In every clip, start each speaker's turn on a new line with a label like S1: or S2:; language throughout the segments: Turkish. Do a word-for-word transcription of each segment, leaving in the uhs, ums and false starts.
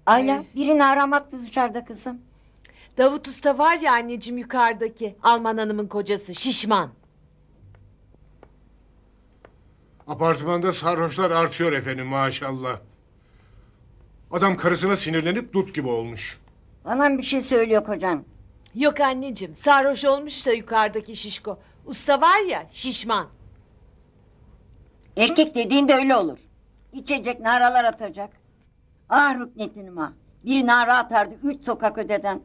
S1: Ayla birini aramaktı dışarıda kızım.
S2: Davut Usta var ya anneciğim yukarıdaki. Alman hanımın kocası şişman.
S3: Apartmanda sarhoşlar artıyor efendim maşallah. Adam karısına sinirlenip dut gibi olmuş.
S1: Bana bir şey söylüyor kocan.
S2: Yok anneciğim sarhoş olmuş da yukarıdaki şişko. Usta var ya şişman.
S1: Erkek dediğin de öyle olur. İçecek naralar atacak. Ah rüknetinim ha. Bir nara atardı üç sokak öteden.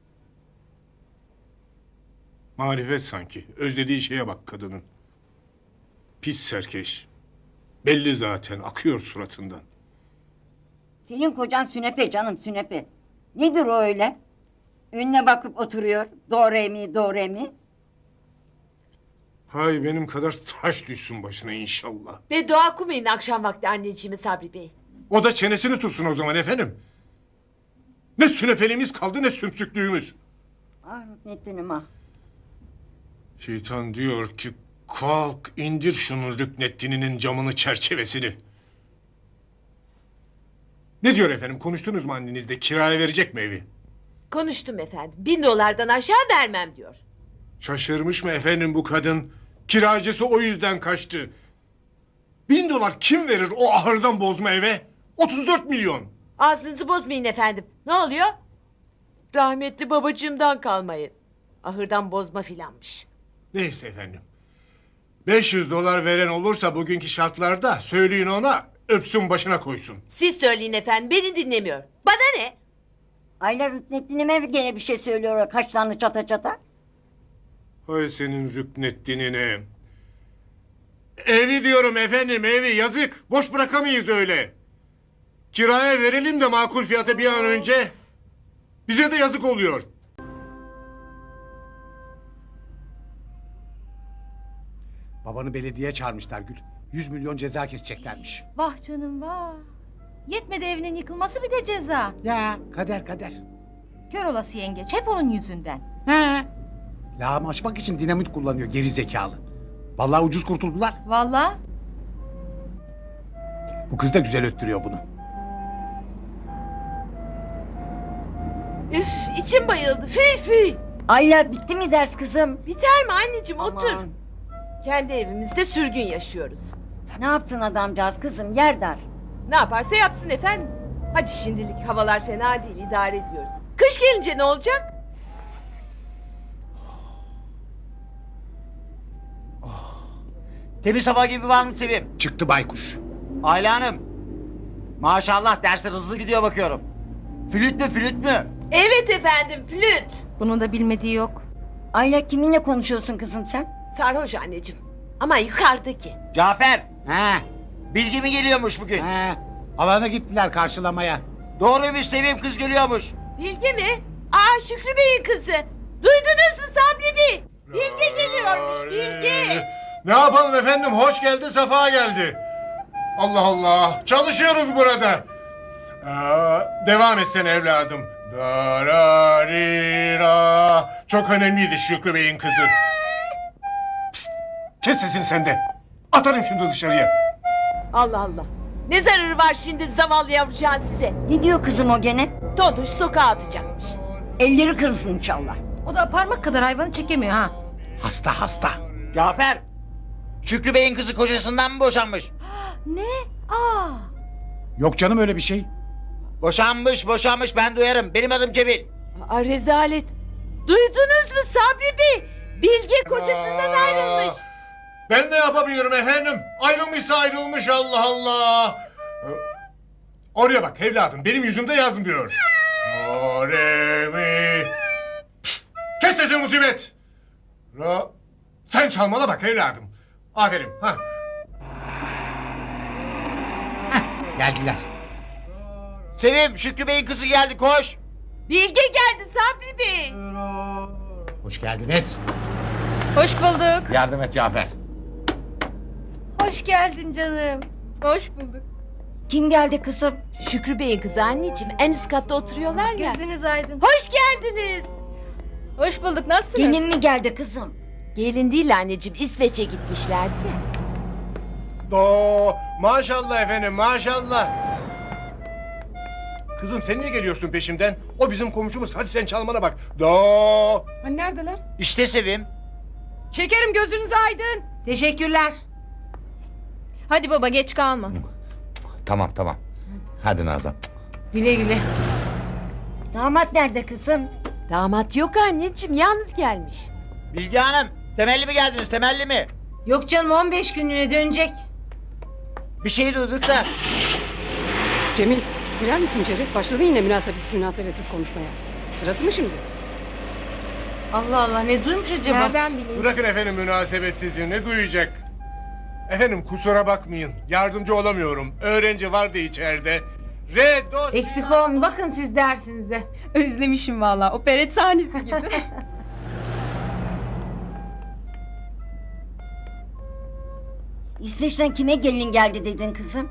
S3: Marifet sanki. Özlediği şeye bak kadının. Pis serkeş. Belli zaten akıyor suratından.
S1: Senin kocan sünepe canım sünepe. Nedir o öyle? Önüne bakıp oturuyor. Doğru mi doğru mi?
S3: Hay benim kadar taş düşsün başına inşallah.
S2: Beddua okumayın akşam vakti anneciğimi Sabri Bey.
S3: O da çenesini tutsun o zaman efendim. Ne sünepeliğimiz kaldı ne sümsüklüğümüz.
S1: Ah rüknetinim ha.
S3: Şeytan diyor ki kalk indir şunun Rüknettin'inin camını çerçevesini. Ne diyor efendim konuştunuz mu annenizle kiraya verecek mi evi?
S2: Konuştum efendim. Bin dolardan aşağı vermem diyor.
S3: Şaşırmış mı efendim bu kadın? Kiracısı o yüzden kaçtı. Bin dolar kim verir o ahırdan bozma eve? Otuz dört milyon.
S2: Ağzınızı bozmayın efendim. Ne oluyor? Rahmetli babacığımdan kalmayın. Ahırdan bozma filanmış.
S3: Neyse efendim. Beş yüz dolar veren olursa bugünkü şartlarda söyleyin ona öpsün başına koysun.
S2: Siz söyleyin efendim beni dinlemiyor. Bana ne?
S1: Ayla rüknettinime gene bir şey söylüyor o kaşlarını çata çata.
S3: Hay senin Rüknettin'ine. Evi diyorum efendim evi yazık. Boş bırakamayız öyle. Kiraya verelim de makul fiyata bir an önce. Bize de yazık oluyor.
S4: Babanı belediyeye çağırmışlar Gül. Yüz milyon ceza keseceklermiş.
S5: Vah canım vah. Yetmedi evinin yıkılması bir de ceza.
S4: Ya kader kader.
S5: Kör olası yengeç hep onun yüzünden.
S4: He. Lağım açmak için dinamit kullanıyor geri zekalı. Vallahi ucuz kurtuldular.
S5: Vallahi.
S4: Bu kız da güzel öttürüyor bunu.
S2: Üf içim bayıldı. Fıy fıy.
S1: Ayla bitti mi ders kızım?
S2: Biter mi anneciğim otur.
S1: Aman.
S2: Kendi evimizde sürgün yaşıyoruz.
S1: Ne yaptın adamcağız kızım yer dar.
S2: Ne yaparsa yapsın efendim. Hadi şimdilik havalar fena değil idare ediyoruz. Kış gelince ne olacak?
S6: Temiz hava gibi var mı Sevim?
S4: Çıktı baykuş.
S6: Ayla Hanım. Maşallah dersler hızlı gidiyor bakıyorum. Flüt mü flüt mü?
S2: Evet efendim flüt.
S5: Bunun da bilmediği yok.
S1: Ayla kiminle konuşuyorsun kızım sen?
S2: Sarhoş anneciğim. Ama yukarıdaki.
S6: Cafer.
S4: He.
S6: Bilgi mi geliyormuş bugün?
S4: He. Alana gittiler karşılamaya.
S6: Doğruymuş Sevim kız geliyormuş.
S2: Bilge mi? Aa Şükrü Bey'in kızı. Duydunuz mu Sabri Bey? Bilge geliyormuş Bilge.
S3: Ne yapalım efendim hoş geldi sefa geldi. Allah Allah çalışıyoruz burada. Aa, devam etsene evladım. Dararira. Çok önemliydi Şükrü Bey'in kızı. Pişt, kes sesini sen de. Atarım şimdi dışarıya.
S2: Allah Allah. Ne zararı var şimdi zavallı yavrucağın size?
S1: Ne diyor kızım o gene?
S2: Tontuş sokağa atacakmış.
S1: Elleri kırılsın inşallah.
S5: O da parmak kadar hayvanı çekemiyor ha.
S4: Hasta hasta.
S6: Cafer. Şükrü Bey'in kızı kocasından mı boşanmış?
S5: Ne? Aa.
S4: Yok canım öyle bir şey.
S6: Boşanmış boşanmış ben duyarım. Benim adım Cemil.
S2: Aa rezalet. Duydunuz mu Sabri Bey? Bilge kocasından
S3: Aa,
S2: ayrılmış.
S3: Ben ne yapabilirim efendim? Ayrılmışsa ayrılmış Allah Allah. Oraya bak evladım benim yüzümde yazmıyor. Do, re, mi. Pişt, kes sesini musibet. Ra. Sen çalmana bak evladım. Aferin. Ha.
S4: Geldiler.
S6: Sevim Şükrü Bey'in kızı geldi koş.
S2: Bilge geldi Sabri Bey.
S4: Hoş geldiniz.
S5: Hoş bulduk.
S6: Yardım et Cafer.
S5: Hoş geldin canım. Hoş bulduk.
S1: Kim geldi kızım?
S2: Şükrü Bey'in kızı anneciğim en üst katta oturuyorlar ya.
S5: Gözünüz aydın.
S2: Hoş geldiniz.
S5: Hoş bulduk. Nasılsınız?
S1: Gelin mi geldi kızım?
S2: Gelin değil anneciğim İsveç'e gitmişlerdi ya.
S3: Do. Maşallah efendim maşallah. Kızım sen niye geliyorsun peşimden? O bizim komşumuz. Hadi sen çalmana bak. Do.
S5: Hani neredeler?
S6: İşte Sevim.
S5: Şekerim gözünüz aydın.
S2: Teşekkürler.
S5: Hadi baba geç kalma.
S6: Tamam tamam. Hadi Nazan.
S2: Güle güle.
S1: Damat nerede kızım?
S2: Damat yok anneciğim, yalnız gelmiş.
S6: Bilge Hanım, temelli mi geldiniz, temelli mi?
S2: Yok canım, on beş günlüğüne dönecek.
S6: Bir şey duyduk da.
S7: Cemil, girer misin içeri? Başladın yine münasebetsiz münasebetsiz konuşmaya. Sırası mı şimdi?
S2: Allah Allah, ne duymuş acaba?
S5: Nereden bileyim?
S3: Bırakın efendim münasebetsizi. Ne duyacak? Efendim kusura bakmayın. Yardımcı olamıyorum. Öğrenci vardı içeride. Re, do,
S2: Eksik olmayın, bakın siz dersinize.
S5: Özlemişim valla. Operet sahnesi gibi.
S1: İsveç'ten kime gelin geldi dedin kızım?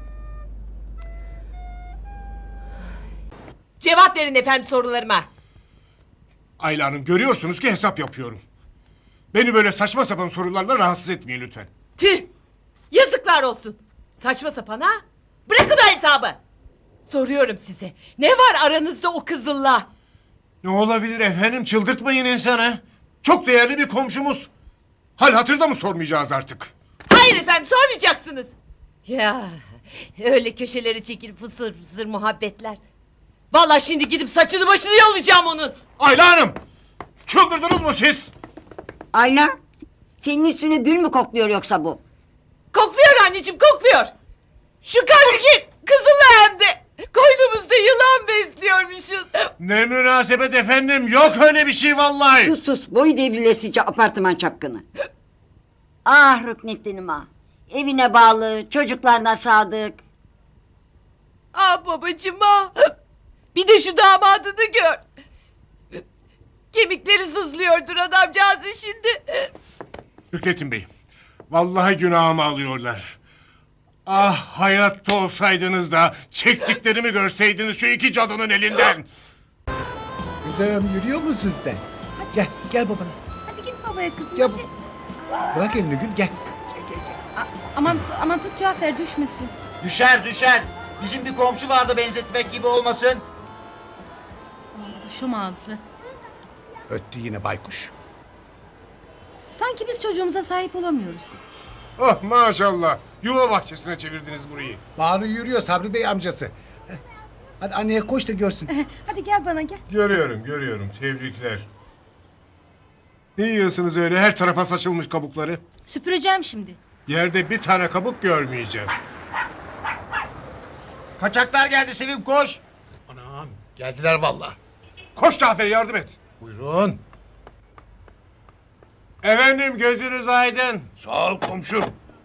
S2: Cevap verin efendim sorularıma.
S3: Ayla Hanım görüyorsunuz ki hesap yapıyorum. Beni böyle saçma sapan sorularla rahatsız etmeyin lütfen.
S2: Tüh! Yazıklar olsun. Saçma sapan ha? Bırakın o hesabı. Soruyorum size. Ne var aranızda o kızılla?
S3: Ne olabilir efendim, çıldırtmayın insanı. Çok değerli bir komşumuz. Hal hatırda mı sormayacağız artık?
S2: Hayır efendim, sormayacaksınız. Ya öyle köşeleri çekilip fısır fısır muhabbetler. Vallahi şimdi gidip saçını başını yollayacağım onun.
S3: Ayla Hanım! Çıldırdınız mı siz?
S1: Ayla, senin üstüne gül mü kokluyor yoksa bu?
S2: Kokluyor anneciğim, kokluyor. Şu karşıki kızılla hem de. Koynumuzda yılan besliyormuşuz.
S3: Ne münasebet efendim, yok öyle bir şey vallahi.
S1: Sus sus, boyu devrilesice apartman çapkını. Ah Rüknettin'im ah. Evine bağlı, çocuklarına sadık.
S2: Ah babacığım ah. Bir de şu damadını gör. Kemikleri sızlıyordur adamcağızın şimdi.
S3: Hükrettin Bey, vallahi günahımı alıyorlar. Ah hayatta olsaydınız da çektiklerimi görseydiniz şu iki cadının elinden.
S4: Kızım yürüyor musun sen? Gel, gel babana.
S5: Hadi git babaya kızım.
S4: Gel.
S5: hadi.
S4: Bırak elini Gül, gel.
S5: Aman aman tut Cafer düşmesin.
S6: Düşer düşer. Bizim bir komşu vardı benzetmek gibi olmasın.
S5: Şu ağızlı.
S4: Öttü yine baykuş.
S5: Sanki biz çocuğumuza sahip olamıyoruz.
S3: Oh maşallah, yuva bahçesine çevirdiniz burayı.
S4: Banu yürüyor Sabri Bey amcası. Hadi anneye koş da görsün.
S5: Hadi gel bana gel.
S3: Görüyorum, görüyorum, tebrikler. Ne yiyorsunuz öyle, her tarafa saçılmış kabukları?
S5: Süpüreceğim şimdi.
S3: Yerde bir tane kabuk görmeyeceğim.
S6: Kaçaklar geldi Sevim, koş.
S4: Anam geldiler vallahi.
S3: Koş Cafer, yardım et.
S4: Buyurun.
S3: Efendim gözünüz aydın.
S8: Sağ ol komşum.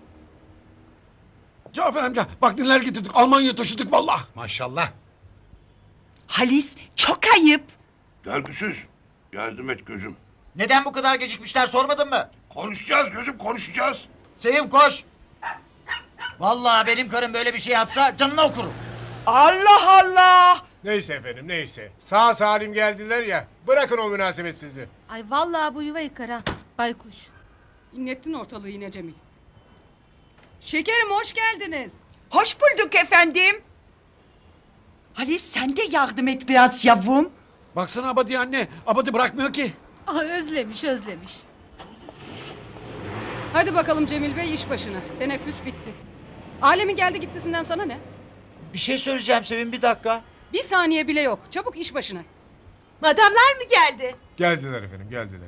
S9: Cafer amca bak neler getirdik. Almanya'ya taşıdık valla.
S4: Maşallah.
S10: Halis çok ayıp.
S8: Görgüsüz. Yardım et gözüm.
S6: Neden bu kadar gecikmişler sormadın mı?
S8: Konuşacağız gözüm konuşacağız.
S6: Sevim koş. Vallahi benim karım böyle bir şey yapsa canına okurum.
S10: Allah Allah.
S3: Neyse efendim, neyse. Sağ salim geldiler ya, bırakın o münasebetsizi.
S5: Ay vallahi bu yuva yıkar ha. Baykuş.
S7: İnlettin ortalığı yine Cemil. Şekerim hoş geldiniz.
S10: Hoş bulduk efendim. Halis sen de yardım et biraz yavrum.
S9: Baksana Abadi anne. Abadi bırakmıyor ki.
S5: Ah özlemiş özlemiş.
S7: Hadi bakalım Cemil Bey iş başına. Teneffüs bitti. Alemin geldi gittisinden sana ne?
S6: Bir şey söyleyeceğim Sevim, bir dakika.
S7: Bir saniye bile yok. Çabuk iş başına.
S2: Madamlar mı geldi?
S3: Geldiler efendim, geldiler.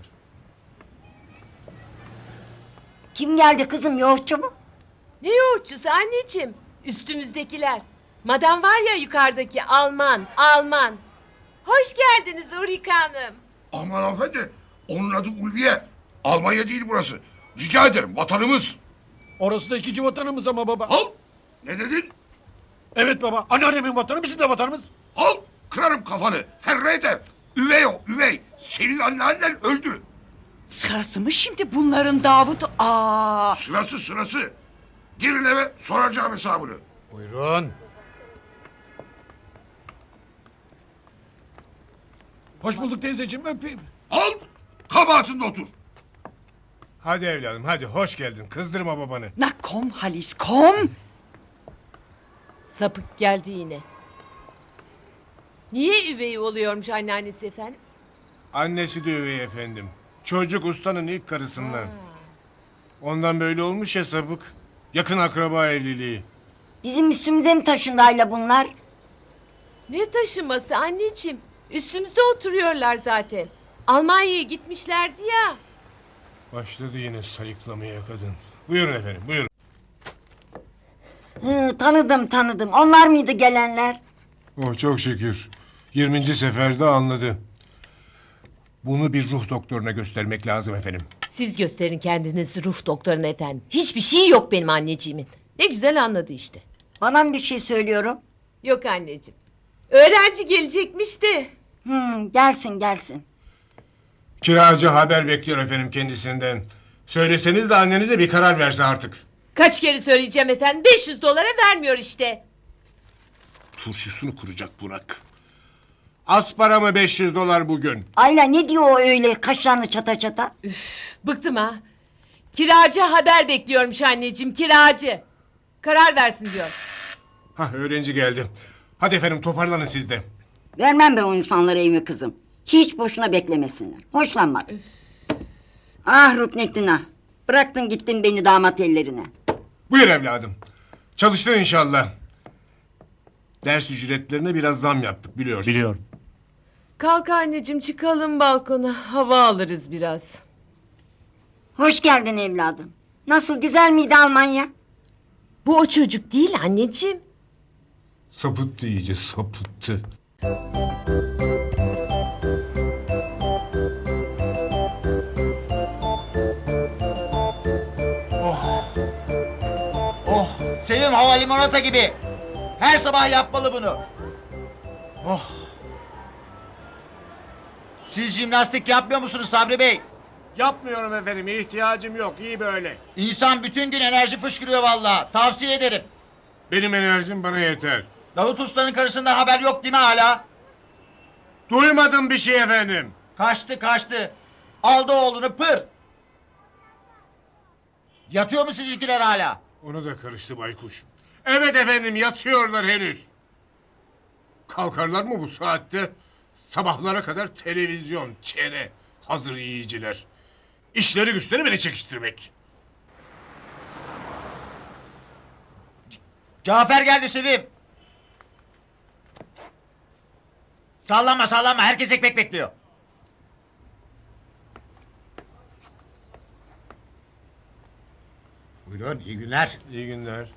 S1: Kim geldi kızım, yoğurtçu mu?
S2: Ne yoğurtçusu anneciğim? Üstümüzdekiler. Madam var ya yukarıdaki, Alman, Alman. Hoş geldiniz Ulrike Hanım.
S8: Aman hanımefendi. Onun adı Ulviye. Almanya değil burası. Rica ederim vatanımız.
S9: Orası da ikinci vatanımız ama baba.
S8: Al. Ne dedin?
S9: Evet baba. Anneannemin vatanı bizim de vatanımız.
S8: Al. Kırarım kafanı. Ferrete. Üvey o üvey. Senin anneannen öldü.
S10: Sırası mı şimdi bunların Davut? Aa.
S8: Sırası sırası. Girin eve soracağım hesabını.
S4: Buyurun.
S9: Hoş bulduk teyzeciğim, öpeyim.
S8: Al. Kabahatinde otur.
S3: Hadi evladım, hadi hoş geldin. Kızdırma babanı.
S10: Na kom Halis kom.
S2: Sapık geldi yine. Niye üvey oluyormuş anneannesi efendim?
S3: Annesi de üvey efendim. Çocuk ustanın ilk karısından. Ondan böyle olmuş ya sapık. Yakın akraba evliliği.
S1: Bizim üstümüze mi taşındı Ayla bunlar?
S2: Ne taşıması anneciğim? Üstümüzde oturuyorlar zaten. Almanya'ya gitmişlerdi ya.
S3: Başladı yine sayıklamaya kadın. Buyurun efendim, buyurun.
S1: Hı, tanıdım tanıdım. Onlar mıydı gelenler?
S3: Oh çok şükür. yirminci seferde anladı. Bunu bir ruh doktoruna göstermek lazım efendim.
S2: Siz gösterin kendinizi ruh doktoruna efendim. Hiçbir şey yok benim anneciğimin. Ne güzel anladı işte.
S1: Bana mı bir şey söylüyorum?
S2: Yok anneciğim. Öğrenci gelecekmiş de.
S1: Hı, gelsin gelsin.
S3: Kiracı haber bekliyor efendim kendisinden. Söyleseniz de annenize bir karar verse artık.
S2: Kaç kere söyleyeceğim efendim. beş yüz dolara vermiyor işte.
S3: Turşusunu kuracak Burak. Az para mı beş yüz dolar bugün?
S1: Ayla ne diyor o öyle kaşlarını çata çata?
S2: Bıktım ha. Kiracı haber bekliyormuş anneciğim, kiracı. Karar versin diyor.
S3: Hah öğrenci geldi. Hadi efendim toparlanın siz de.
S1: Vermem ben o insanlara evimi kızım. Hiç boşuna beklemesinler. Hoşlanmadım. Ah Ruknettin ah. Bıraktın gittin beni damat ellerine.
S3: Buyur evladım. Çalıştın inşallah. Ders ücretlerine biraz zam yaptık biliyorsun.
S9: Biliyorum.
S2: Kalk anneciğim çıkalım balkona. Hava alırız biraz.
S1: Hoş geldin evladım. Nasıl güzel miydi Almanya?
S2: Bu o çocuk değil anneciğim.
S3: Sapıttı iyice sapıttı.
S6: Oh, Sevim hava limonata gibi. Her sabah yapmalı bunu. Oh. Siz jimnastik yapmıyor musunuz Sabri Bey?
S3: Yapmıyorum efendim ihtiyacım yok iyi böyle.
S6: İnsan bütün gün enerji fışkırıyor vallahi. Tavsiye ederim.
S3: Benim enerjim bana yeter.
S6: Davut Usta'nın karısından haber yok değil mi hala?
S3: Duymadım bir şey efendim.
S6: Kaçtı kaçtı. Aldı oğlunu pır. Yatıyor mu sizinkiler hala?
S3: Onu da karıştı baykuş. Evet efendim yatıyorlar henüz. Kalkarlar mı bu saatte? Sabahlara kadar televizyon, çene, hazır yiyiciler. İşleri güçleri beni çekiştirmek.
S6: Cafer geldi Sevim. Sallanma sallanma herkes ekmek bekliyor.
S4: Buyurun iyi günler.
S3: İyi günler.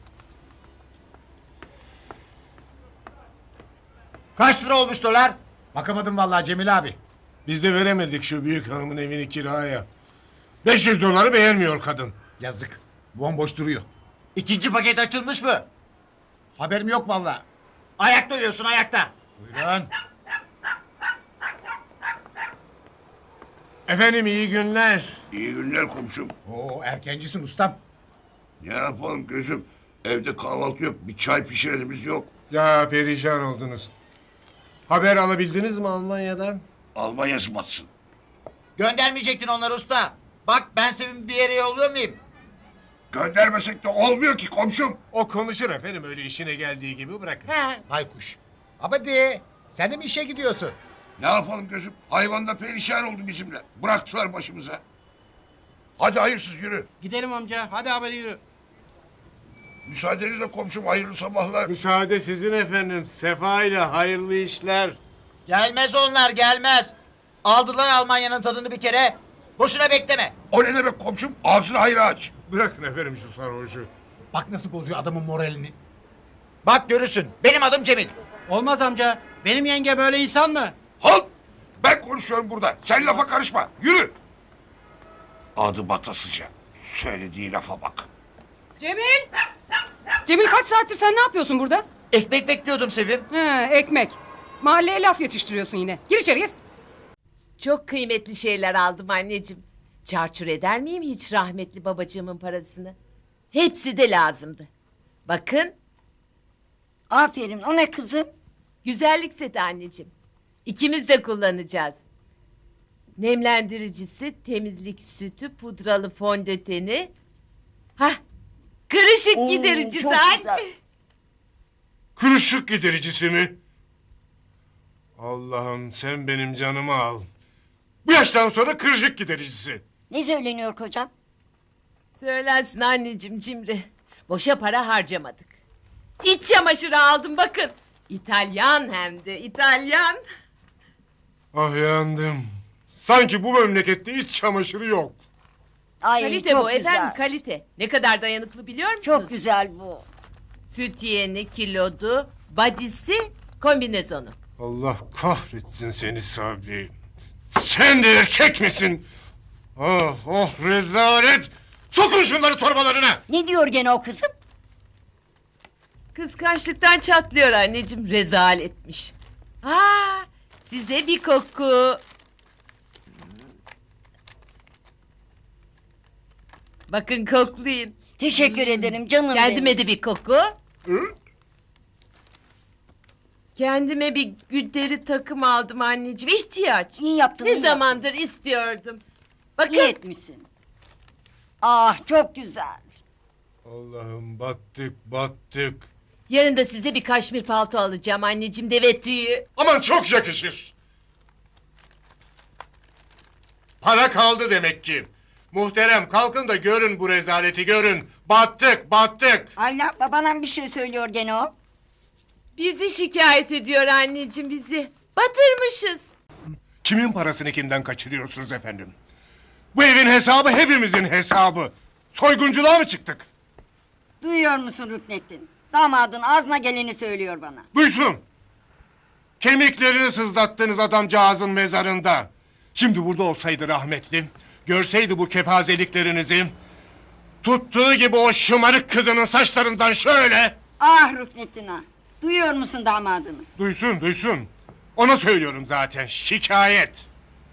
S6: Kaç lira olmuş dolar?
S4: Bakamadım vallahi Cemil abi.
S3: Biz de veremedik şu büyük hanımın evini kiraya. beş yüz doları beğenmiyor kadın.
S4: Yazık. Bomboş duruyor.
S6: İkinci paket açılmış mı?
S4: Haberim yok vallahi.
S6: Ayakta uyuyorsun ayakta.
S4: Buyurun.
S3: Efendim iyi günler.
S8: İyi günler komşum.
S4: Oo erkencisin ustam.
S8: Ne yapalım gözüm? Evde kahvaltı yok. Bir çay pişirenimiz yok.
S3: Ya perişan oldunuz. Haber alabildiniz mi Almanya'dan?
S8: Almanya'sı batsın.
S6: Göndermeyecektin onları usta. Bak ben Sevim'i bir yere yolluyor muyum?
S8: Göndermesek de olmuyor ki komşum.
S3: O konuşur efendim öyle işine geldiği gibi bırakın.
S6: He.
S4: Baykuş. Abadi sen de mi işe gidiyorsun?
S8: Ne yapalım gözüm? Hayvan da perişan oldu bizimle. Bıraktılar başımıza. Hadi hayırsız yürü.
S9: Gidelim amca. Hadi abi yürü.
S8: Müsaadenizle komşum hayırlı sabahlar.
S3: Müsaade sizin efendim. Sefa ile hayırlı işler.
S6: Gelmez onlar gelmez. Aldılar Almanya'nın tadını bir kere. Boşuna bekleme.
S8: O ne demek komşum? Ağzını hayra aç.
S3: Bırakın efendim şu sarhoşu.
S4: Bak nasıl bozuyor adamın moralini.
S6: Bak görürsün. Benim adım Cemil.
S9: Olmaz amca. Benim yenge böyle insan mı?
S8: Halt! Ben konuşuyorum burada. Sen lafa karışma. Yürü. Adı batasıca. Söylediği lafa bak.
S7: Cemil! Cemil kaç saattir sen ne yapıyorsun burada?
S6: Ekmek bekliyordum Sevim.
S7: He, ekmek. Mahalleye laf yetiştiriyorsun yine. Gir içeri gir.
S2: Çok kıymetli şeyler aldım anneciğim. Çarçur eder miyim hiç rahmetli babacığımın parasını? Hepsi de lazımdı. Bakın
S1: Aferin o ne kızım?
S2: güzellik seti anneciğim. İkimiz de kullanacağız. Nemlendiricisi, temizlik sütü, pudralı fondöteni. Hah, kırışık
S1: Oo,
S2: gidericisi
S1: çok
S2: anne.
S1: güzel.
S3: Kırışık gidericisi mi? Allah'ım sen benim canımı al. Bu yaştan sonra kırışık gidericisi.
S1: Ne söyleniyor kocan?
S2: Söylensin anneciğim cimri. Boşa para harcamadık. İç çamaşırı aldım bakın. İtalyan hem de İtalyan.
S3: Ah yandım. Sanki bu memlekette iç çamaşırı yok.
S1: Ay
S2: Kalite
S1: çok
S2: bu
S1: güzel.
S2: efendim kalite. Ne kadar dayanıklı biliyor musunuz?
S1: Çok güzel bu.
S2: Süt yeni, kilodu, badisi, kombinezonu.
S3: Allah kahretsin seni Sabri. Sen de erkek misin? Oh oh rezalet. Sokun şunları torbalarına.
S1: Ne diyor gene o kızım?
S2: Kıskançlıktan çatlıyor anneciğim. Rezaletmiş. Aa, size bir koku. Bakın koklayın.
S1: Teşekkür ederim canım
S2: Kendime
S1: benim.
S2: de bir koku.
S3: Hı?
S2: Kendime bir güdleri takım aldım anneciğim. İhtiyaç.
S1: İyi yaptın.
S2: Ne
S1: iyi
S2: zamandır istiyordum. Bakın.
S1: İyi etmişsin. Ah çok güzel.
S3: Allah'ım battık battık.
S2: Yarın da size bir kaşmir palto alacağım anneciğim, deve tüyü.
S3: Aman çok yakışır. Para kaldı demek ki. Muhterem kalkın da görün bu rezaleti görün. Battık battık.
S1: Ayla babana bir şey söylüyor gene o.
S2: Bizi şikayet ediyor anneciğim bizi. Batırmışız.
S3: Kimin parasını kimden kaçırıyorsunuz efendim? Bu evin hesabı hepimizin hesabı. Soygunculuğa mı çıktık?
S1: Duyuyor musun Rüknettin? Damadın ağzına geleni söylüyor bana.
S3: Duysun. Kemiklerini sızlattınız adamcağızın mezarında. Şimdi burada olsaydı rahmetli, görseydi bu kepazeliklerinizi, tuttuğu gibi o şımarık kızının saçlarından şöyle...
S1: Ah Rüknettin ah. Duyuyor musun damadını?
S3: Duysun, duysun. Ona söylüyorum zaten, şikayet.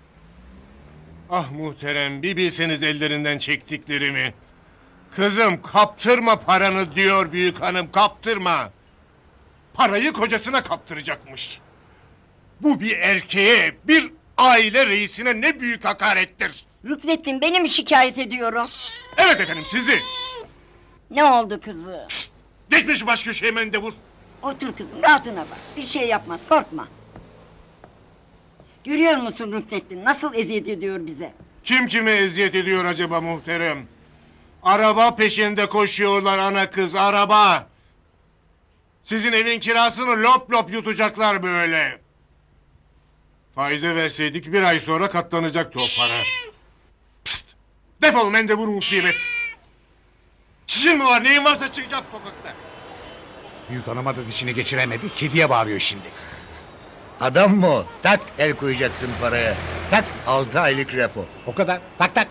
S3: Ah muhterem, bir bilseniz ellerinden çektiklerimi. Kızım kaptırma paranı diyor büyük hanım, kaptırma. Parayı kocasına kaptıracakmış. Bu bir erkeğe, bir aile reisine ne büyük hakarettir.
S1: Rüknettin beni mi şikayet ediyorum?
S3: Evet efendim sizi.
S1: Ne oldu kızı?
S3: Geçmiş baş köşeye mendebur.
S1: Otur kızım rahatına bak. Bir şey yapmaz korkma. Görüyor musun Rüknettin nasıl eziyet ediyor bize?
S3: Kim kime eziyet ediyor acaba muhterem? Araba peşinde koşuyorlar ana kız, araba. Sizin evin kirasını lop lop yutacaklar böyle. Faize verseydik bir ay sonra katlanacaktı o para. Pst! Defol mendebur musibet. Çişin mi var, neyin varsa çık yap sokakta.
S4: Büyük hanıma da dişini geçiremedi. Kediye bağırıyor şimdi.
S11: Adam mı o? Tak el koyacaksın paraya. Tak altı aylık repo.
S4: O kadar. Tak tak.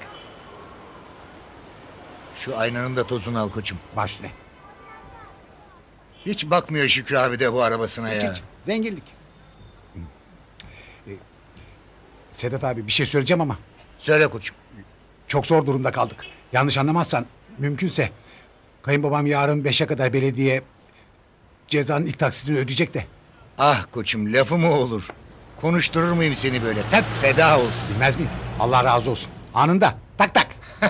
S11: Şu aynanın da tozunu al koçum.
S4: Baş üstüne.
S11: Hiç bakmıyor Şükrü abi de bu arabasına
S4: Hiç,
S11: ya.
S4: hiç. Zenginlik. Ee, Sedat abi bir şey söyleyeceğim ama
S11: Söyle koçum.
S4: çok zor durumda kaldık. Yanlış anlamazsan mümkünse kayınbabam yarın beşe kadar belediye cezanın ilk taksidini ödeyecek de.
S11: Ah koçum lafı mı olur? Konuşturur muyum seni böyle? Tak feda olsun.
S4: Bilmez miyim? Allah razı olsun. Anında. Tak tak.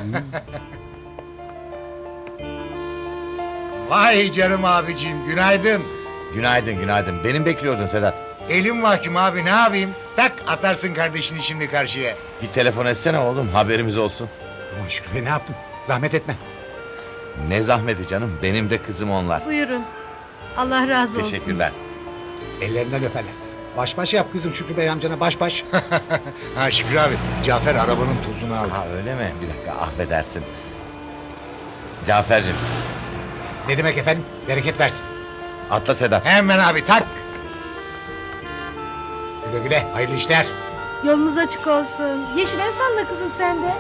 S11: Vay canım abicim günaydın.
S6: Günaydın günaydın. Benim bekliyordun Sedat.
S11: Elim mahkum abi ne yapayım? Tak atarsın kardeşini şimdi karşıya.
S6: Bir telefon etsene oğlum, haberimiz olsun.
S4: Aman Şükrü Bey ne yaptın? Zahmet etme.
S6: Ne zahmeti canım, benim de kızım onlar.
S5: Buyurun. Allah razı olsun.
S6: Teşekkürler.
S4: Ellerinden öperler. Baş baş yap kızım Şükrü Bey amcana baş baş.
S11: Ha Şükrü abi Cafer arabanın tozunu al.
S6: Ha öyle mi? Bir dakika, affedersin. Cafer'cim,
S4: Ne demek efendim? Bereket versin.
S6: atla Sedat.
S11: Hemen abi tak.
S4: Güle güle. Hayırlı işler.
S5: Yolunuz açık olsun. Yeşim el salla kızım sen de.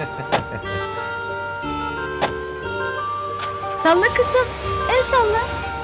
S5: Salla kızım. El salla.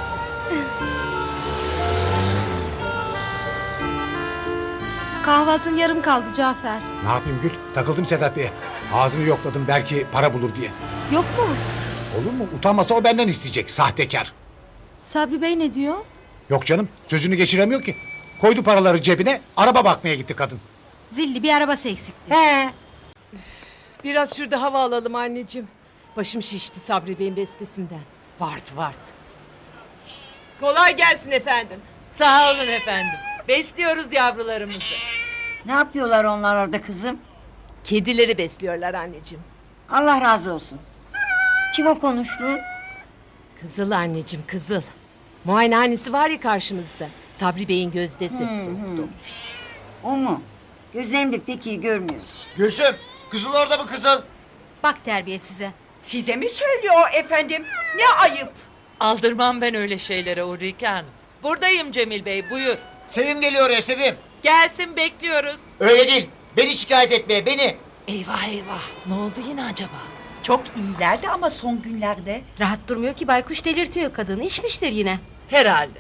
S5: Kahvaltın yarım kaldı Cafer.
S4: Ne yapayım Gül? Takıldım Sedat Bey'e. Ağzını yokladım belki para bulur diye.
S5: Yok mu?
S4: Olur mu? Utanmasa o benden isteyecek. Sahtekar.
S5: Sabri Bey ne diyor?
S4: Yok canım. Sözünü geçiremiyor ki. Koydu paraları cebine. Araba bakmaya gitti kadın.
S5: Zilli bir arabası eksikti.
S2: Biraz şurada hava alalım anneciğim. Başım şişti Sabri Bey'in bestesinden. Vart vart. Kolay gelsin efendim. Sağ olun efendim. Besliyoruz yavrularımızı.
S1: Ne yapıyorlar onlar orada kızım?
S2: Kedileri besliyorlar anneciğim.
S1: Allah razı olsun. Kim o konuştu?
S2: Kızıl anneciğim, kızıl. Muayenehanesi var ya karşımızda. Sabri Bey'in gözdesi. Doktor.
S1: O mu? Gözlerim de pek iyi görmüyor.
S6: Gülsüm, kızıl orada mı kızıl?
S5: Bak terbiye size.
S10: Size mi söylüyor efendim? Ne ayıp.
S12: Aldırmam ben öyle şeylere Ulrike Hanım. Buradayım Cemil Bey, buyur.
S6: Sevim geliyor ya Sevim.
S12: Gelsin, bekliyoruz.
S6: Öyle değil. Beni şikayet etmeye, beni.
S12: Eyvah eyvah, ne oldu yine acaba?
S10: Çok iyilerdi ama son günlerde.
S5: Rahat durmuyor ki baykuş delirtiyor kadını. İçmiştir yine.
S12: Herhalde.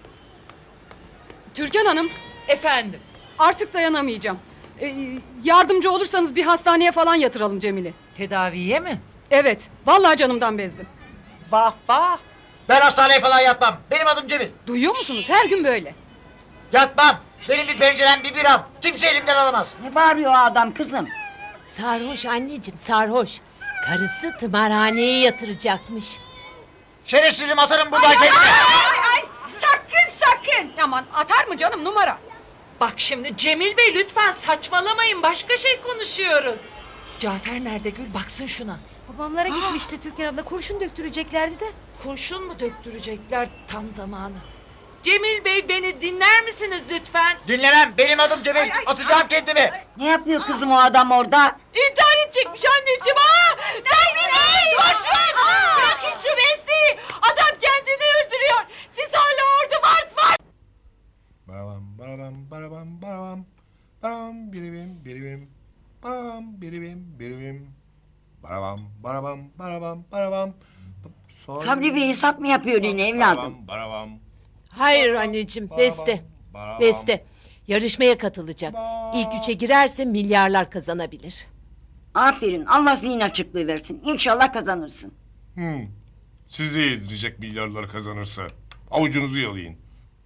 S7: Türkan Hanım,
S12: Efendim,
S7: artık dayanamayacağım. Ee, yardımcı olursanız bir hastaneye falan yatıralım Cemil'i.
S12: tedaviye mi?
S7: Evet, vallahi canımdan bezdim.
S10: Vah vah.
S6: Ben hastaneye falan yatmam. Benim adım Cemil.
S7: Duyuyor musunuz? Her gün böyle.
S6: Yatmam. Benim bir pencerem, bir biram. Kimse elimden alamaz.
S1: Ne bağırıyor o adam kızım?
S2: Sarhoş anneciğim, sarhoş. Karısı tımarhaneye yatıracakmış.
S6: Şerefsizim, atarım buradan kendimi.
S10: Ay ay sakın sakın.
S7: Aman atar mı canım numara?
S12: Bak şimdi Cemil Bey lütfen saçmalamayın, başka şey konuşuyoruz. Cafer nerede Gül, baksın şuna.
S5: Babamlara gitmişti Türkan abla. Kurşun döktüreceklerdi de.
S12: Kurşun mu döktürecekler tam zamanı? Cemil Bey beni dinler misiniz lütfen?
S6: Dinlemem. Benim adım Cemil. Atacağım kendimi.
S1: Ne yapıyor kızım o adam orada?
S2: İntihar edecekmiş anneciğim. Aa! Sabri Bey! Koşun! Bırakın şu mesleği! Adam kendini öldürüyor. Siz hala orada var var.
S3: Barabam barabam barabam barabam. Barabam biribim biribim. Barabam biribim biribim. Barabam barabam barabam barabam. Soy-
S1: Sabri Bey hesap mı yapıyor yine evladım?
S3: Barabam barabam.
S2: Hayır anneciğim, beste.
S3: barabam.
S2: Beste. Yarışmaya katılacak. İlk üçe girerse milyarlar kazanabilir.
S1: Aferin, Allah zihin açıklığı versin. İnşallah kazanırsın.
S3: Hmm. Sizi yedirecek milyarlar kazanırsa. Avucunuzu yalayın.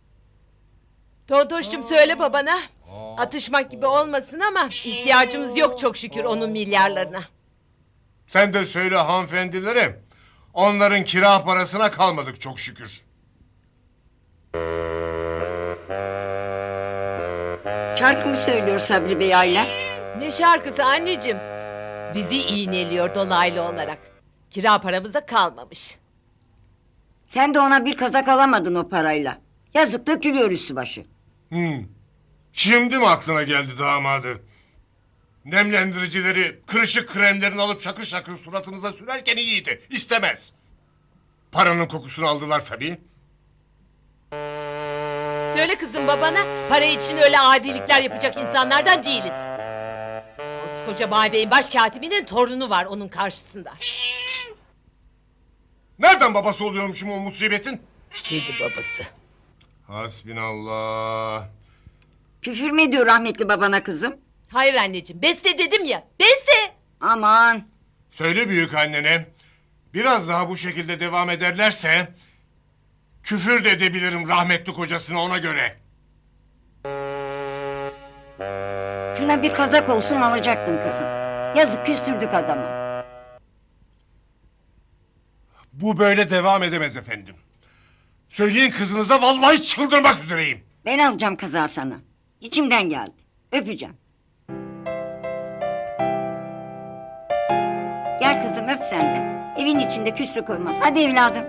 S2: Tontoş'cum söyle babana. Atışmak gibi olmasın ama ihtiyacımız yok çok şükür onun milyarlarına.
S3: Sen de söyle hanımefendilere. Onların kira parasına kalmadık çok şükür.
S1: Şarkı mı söylüyor Sabri Bey hala?
S2: Ne şarkısı anneciğim? Bizi iğneliyor dolaylı olarak. Kira paramıza kalmamış.
S1: Sen de ona bir kazak alamadın o parayla. Yazık dökülüyor üstü başı.
S3: Hmm. Şimdi mi aklına geldi damadı? Nemlendiricileri, kırışık kremlerini alıp şakır şakır suratınıza sürerken iyiydi. İstemez. Paranın kokusunu aldılar tabii.
S2: Söyle kızım babana, para için öyle adilikler yapacak insanlardan değiliz. Koskoca Bay Bey'in başkatibinin torunu var onun karşısında.
S3: Nereden babası oluyormuşum o musibetin?
S2: Kedi babası.
S3: Hasbinallah.
S1: Küfür mü ediyor rahmetli babana kızım?
S2: Hayır anneciğim, beste dedim ya, beste!
S1: Aman.
S3: Söyle büyük annene. Biraz daha bu şekilde devam ederlerse... ...küfür de edebilirim rahmetli kocasına ona göre.
S1: Şuna bir kazak olsun alacaktın kızım. Yazık küstürdük adamı.
S3: Bu böyle devam edemez efendim. Söyleyin kızınıza vallahi çıldırmak üzereyim.
S1: Ben alacağım kazağı sana. İçimden geldi. Öpeceğim. Gel kızım öp sen de. Evin içinde küslük olmaz. Hadi evladım.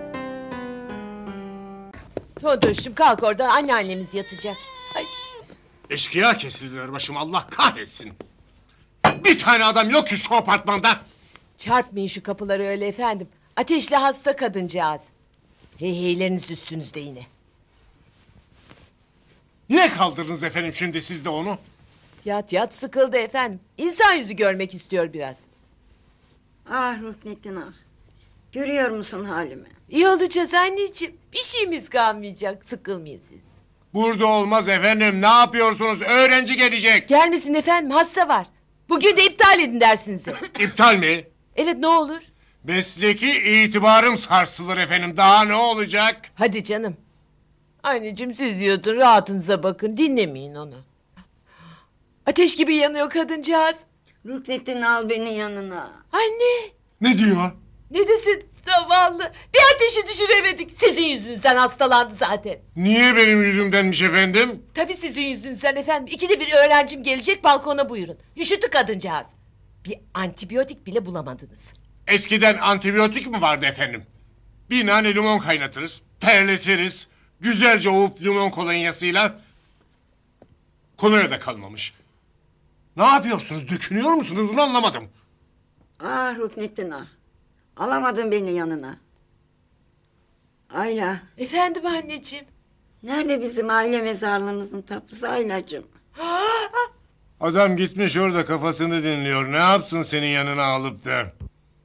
S2: Tontoş'cum kalk oradan anneannemiz yatacak. Ay.
S3: Eşkıya kesildiler başım Allah kahretsin. Bir tane adam yok ki şu apartmanda.
S2: Çarpmayın şu kapıları öyle efendim. Ateşli hasta kadıncağız. Heyheyleriniz üstünüzde yine.
S3: Niye kaldırdınız efendim şimdi siz de onu?
S2: Yat yat sıkıldı efendim. İnsan yüzü görmek istiyor biraz.
S1: Ah Ruknettin ah. Görüyor musun halimi?
S2: İyi olacağız anneciğim. Bir şeyimiz kalmayacak. Sıkılmayın siz.
S3: Burada olmaz efendim ne yapıyorsunuz öğrenci gelecek.
S2: Gelmesin efendim hasta var. Bugün de iptal edin dersinizi.
S3: İptal mi?
S2: Evet ne olur.
S3: Mesleki itibarım sarsılır efendim daha ne olacak?
S2: Hadi canım. Anneciğim siz yatın rahatınıza bakın dinlemeyin onu. Ateş gibi yanıyor kadıncağız.
S1: Ruknettin al beni yanına.
S2: Anne
S3: Ne diyor?
S2: Ne desin zavallı? Bir ateşi düşüremedik. Sizin yüzünüzden hastalandı zaten.
S3: Niye benim yüzümdenmiş efendim?
S2: Tabii sizin yüzünüzden efendim. İkide bir öğrencim gelecek, balkona buyurun. Üşüttü kadıncağız. Bir antibiyotik bile bulamadınız.
S3: Eskiden antibiyotik mi vardı efendim? Bir nane limon kaynatırız, terletiriz. Güzelce ovup limon kolonyasıyla. Kolonya da kalmamış. Ne yapıyorsunuz? Dökünüyor musunuz? Bunu anlamadım.
S1: Ah Ruknettin ah. Alamadın beni yanına. Ayla.
S2: Efendim anneciğim.
S1: Nerede bizim aile mezarlığımızın tapusu Aylacığım?
S3: Adam gitmiş orada kafasını dinliyor. Ne yapsın senin yanına alıp da?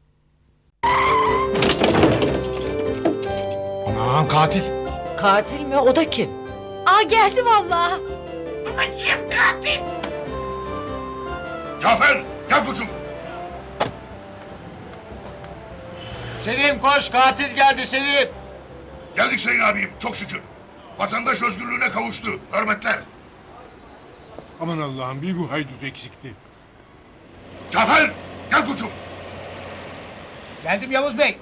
S4: Aman katil.
S2: Katil mi? O da kim?
S5: Aa geldi vallahi.
S8: Cafer gel koçum.
S6: Sevim koş, katil geldi Sevim.
S8: Geldik Sayın abim çok şükür. Vatandaş özgürlüğüne kavuştu. Hürmetler.
S3: Aman Allah'ım bir bu haydut eksikti.
S8: Cafer gel koçum.
S6: Geldim Yavuz Bey.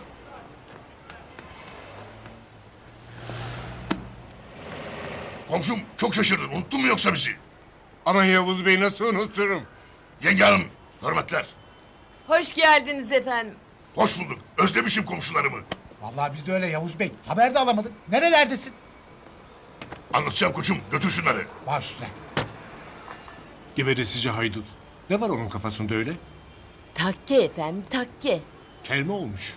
S8: Komşum çok şaşırdın. Unuttun mu yoksa bizi?
S3: Aman Yavuz Bey nasıl unuturum?
S8: Yenge hanım hürmetler.
S2: Hoş geldiniz efendim.
S8: Hoş bulduk. Özlemişim komşularımı.
S4: Vallahi biz de öyle Yavuz Bey. Haber de alamadık. Nerelerdesin?
S8: Anlatacağım koçum. Götür şunları.
S4: Baş üstüne.
S3: Geberesici haydut. Ne var onun kafasında öyle?
S2: Takke efendim, takke.
S3: Kelme olmuş.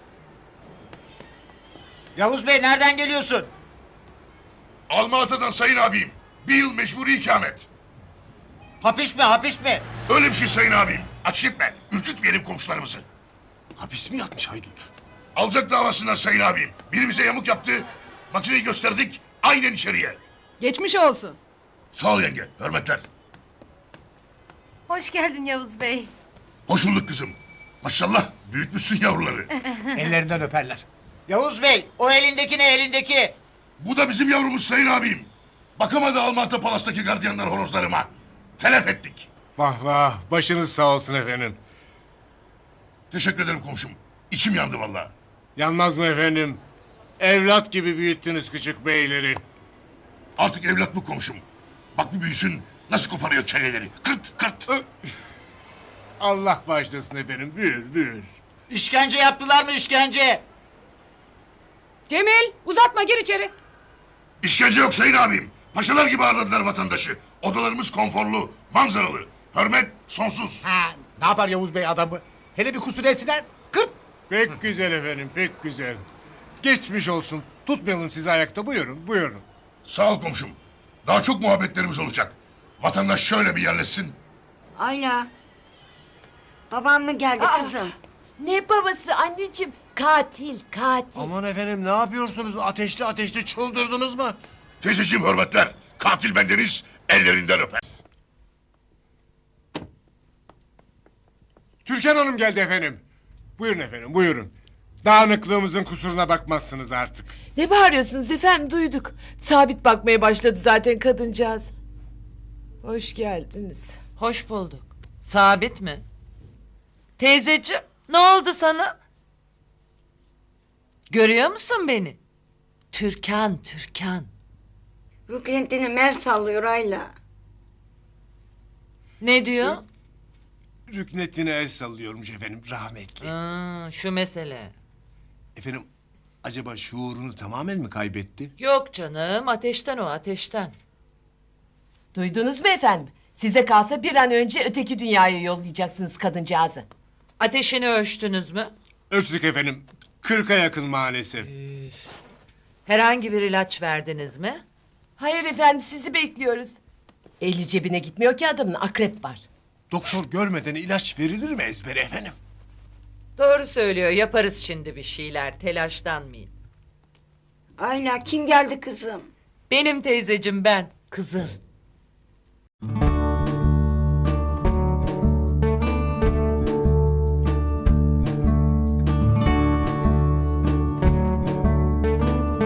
S6: Yavuz Bey nereden geliyorsun?
S8: Almatı'dan Sayın abim. Bir yıl mecburi ikamet.
S6: Hapis mi, hapis mi?
S8: Öyle bir şey Sayın abim. Aç gitme. Ürkütmeyelim komşularımızı.
S3: Hapis mi yatmış haydut?
S8: Alacak davasından Sayın abim. Biri bize yamuk yaptı. Makineyi gösterdik. Aynen içeriye.
S7: Geçmiş olsun.
S8: Sağ ol yenge. Hürmetler.
S5: Hoş geldin Yavuz Bey.
S8: Hoş bulduk kızım. Maşallah büyütmüşsün yavruları.
S4: Ellerinden öperler.
S6: Yavuz Bey, o elindeki ne elindeki?
S8: Bu da bizim yavrumuz Sayın abim. Bakamadı Almatı Palas'taki gardiyanlar horozlarıma. Telef ettik.
S3: Vah vah başınız sağ olsun efendim.
S8: Teşekkür ederim komşum. İçim yandı vallahi.
S3: Yanmaz mı efendim? Evlat gibi büyüttünüz küçük beyleri.
S8: Artık evlat bu komşum. Bak bir büyüsün nasıl koparıyor çeneleri. Kırt kırt.
S3: Allah bağışlasın efendim büyür büyür.
S6: İşkence yaptılar mı işkence?
S7: Cemil uzatma gir içeri.
S8: İşkence yok Sayın abim. Paşalar gibi ağırladılar vatandaşı. Odalarımız konforlu, manzaralı. Hürmet sonsuz.
S4: Ha, ne yapar Yavuz Bey adamı? Hele bir kusur etsinler. Kırt.
S3: Pek güzel efendim pek güzel. Geçmiş olsun. Tutmayalım sizi ayakta buyurun buyurun.
S8: Sağ ol komşum. Daha çok muhabbetlerimiz olacak. Vatandaş şöyle bir yerleşsin.
S1: Ayla. Babam mı geldi kızım?
S2: Ne babası anneciğim? Katil, katil.
S3: Aman efendim ne yapıyorsunuz? Ateşli ateşli çıldırdınız mı?
S8: Teyzeciğim hürmetler. Katil bendeniz ellerinden öper.
S3: Türkan Hanım geldi efendim. Buyurun efendim buyurun. Dağınıklığımızın kusuruna bakmazsınız artık.
S2: Ne bağırıyorsunuz efendim, duyduk. Sabit bakmaya başladı zaten kadıncağız. Hoş geldiniz.
S12: Hoş bulduk. Sabit mi? Teyzeciğim ne oldu sana? Görüyor musun beni? Türkan, Türkan.
S1: Ruknettin'i mer sallıyor Ayla.
S12: Ne diyor?
S3: Rüknettin'e el sallıyormuş efendim rahmetli.
S12: Aa, şu mesele.
S3: Efendim acaba şuurunu tamamen mi kaybetti?
S12: Yok canım, ateşten o, ateşten.
S2: Duydunuz mu efendim? Size kalsa bir an önce öteki dünyaya yollayacaksınız kadıncağızı.
S12: Ateşini ölçtünüz mü?
S3: Ölçtük efendim. Kırka yakın maalesef.
S12: Herhangi bir ilaç verdiniz mi?
S2: Hayır efendim, sizi bekliyoruz. Eli cebine gitmiyor ki adamın, akrep var.
S3: Doktor görmeden ilaç verilir mi ezbere efendim?
S12: Doğru söylüyor, yaparız şimdi bir şeyler, telaşlanmayın.
S1: Ayla kim geldi kızım?
S12: Benim teyzecim ben, kızım.